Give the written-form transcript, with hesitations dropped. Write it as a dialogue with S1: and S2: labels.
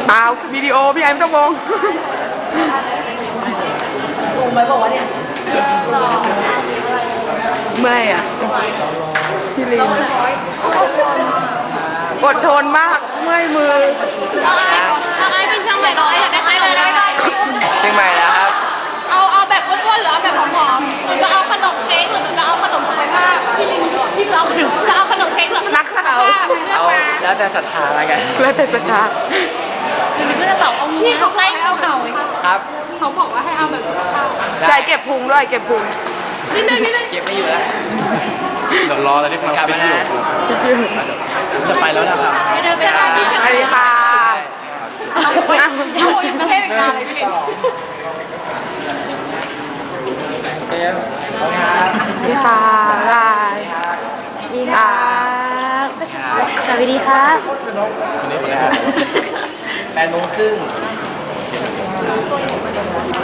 S1: เปล่าวิดีโอพี่ไอ้ไม่ต้องมอง
S2: ซูมไว้บอกว่าเนี่ย
S1: ไม่อ่ะพี่ลีนอดทนมากเมื่อยมือ
S3: เอาไอ้เป็นเชียงใหม่ร้อยอยากได้ไอ้เลยได้ไหม
S4: เชียงใหม่แล้วครับ
S3: เอาแบบอ้วนๆหรือเอาแบบผอมๆหรือจะเอาขนมเค้กหรือจะเอาขนมสุขภาพพี่จะเอาขนมเค้กหรือ
S1: นักข่าว
S3: เลือก
S4: เอา
S3: มา
S4: แล้วแต่ศรัทธาอะไรกัน
S1: แล้วแต่สถาน
S3: หรือไม่จะตอบเอาพี่เขาให้เอาเก่า
S4: ครับ
S3: เขาบอกว่าให้เอาแบบสุขภาพ
S1: ใจเก็บพุงด้วยเก็บพุง
S3: นิดนึง
S4: เก็บไม่อยู่แล้ว
S5: เดี๋ยวรอตอนที่พัง
S4: กลับ
S5: ฟิ
S4: มา
S5: ตอ
S4: นะ
S5: ยู่จะไปแล้วนะครับ
S3: ไม่ได้ไปร้านที่เชียง
S1: ส
S3: ให
S1: วั
S3: ม่
S1: สดีค่ะ
S3: เอาอยู่ประเทศอีกนานเลยพี่ลิน
S4: เดี๋ยวครับ
S1: สวัสดีค่ะบายดีค่ะ
S3: สวัสดีครับ
S5: คนนี้คนแรก
S4: 8:30